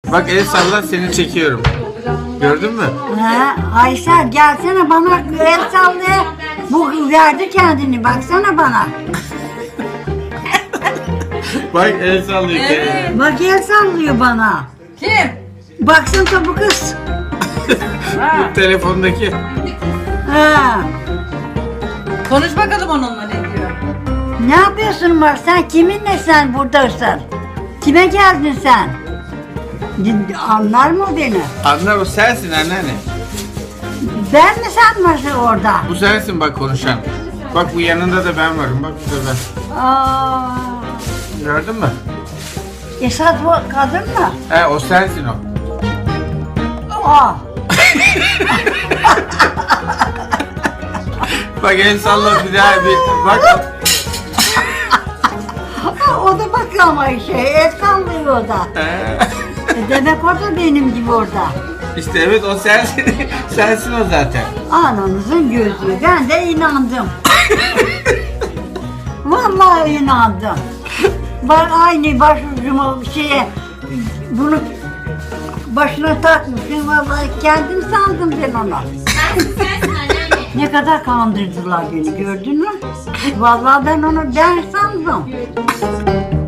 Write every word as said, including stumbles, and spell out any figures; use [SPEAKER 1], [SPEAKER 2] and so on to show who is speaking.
[SPEAKER 1] Bak el salla, seni çekiyorum. Gördün mü?
[SPEAKER 2] Ha, Aysel gelsene bana el sallaya. Bu verdi kendini baksana bana.
[SPEAKER 1] Bak el sallıyor.
[SPEAKER 3] Evet.
[SPEAKER 2] Bak el sallıyor bana.
[SPEAKER 3] Kim?
[SPEAKER 2] Baksana bu kız.
[SPEAKER 3] Ha.
[SPEAKER 1] Telefondaki.
[SPEAKER 2] Ha.
[SPEAKER 3] Konuş bakalım onunla ne diyor.
[SPEAKER 2] Ne yapıyorsun var? Sen kiminle sen buradasın? Kime geldin sen? Anlar mı beni?
[SPEAKER 1] Anlar, o sensin anneanne.
[SPEAKER 2] Ben mi sen varsın orada?
[SPEAKER 1] Bu sensin bak konuşan. Bak bu yanında da ben varım. Bak burada ben.
[SPEAKER 2] Aa,
[SPEAKER 1] Gördün mü?
[SPEAKER 2] Esat bu kadın mı?
[SPEAKER 1] He, o sensin o.
[SPEAKER 2] Aa,
[SPEAKER 1] Bak el salla bir daha bir bak.
[SPEAKER 2] o da bakıyor ama şey, el sallıyor o da.
[SPEAKER 1] He.
[SPEAKER 2] E demek o da benim gibi orada.
[SPEAKER 1] İşte evet, o sensin. Sensin o zaten.
[SPEAKER 2] Ananızın gözü. Ben de inandım. Vallahi inandım. Ben aynı başucuma şeye bunu başına takmışım. Vallahi kendim sandım ben onu.
[SPEAKER 4] Sensin sensin anneanne.
[SPEAKER 2] Ne kadar kandırdılar beni gördün mü? Vallahi ben onu ben sandım.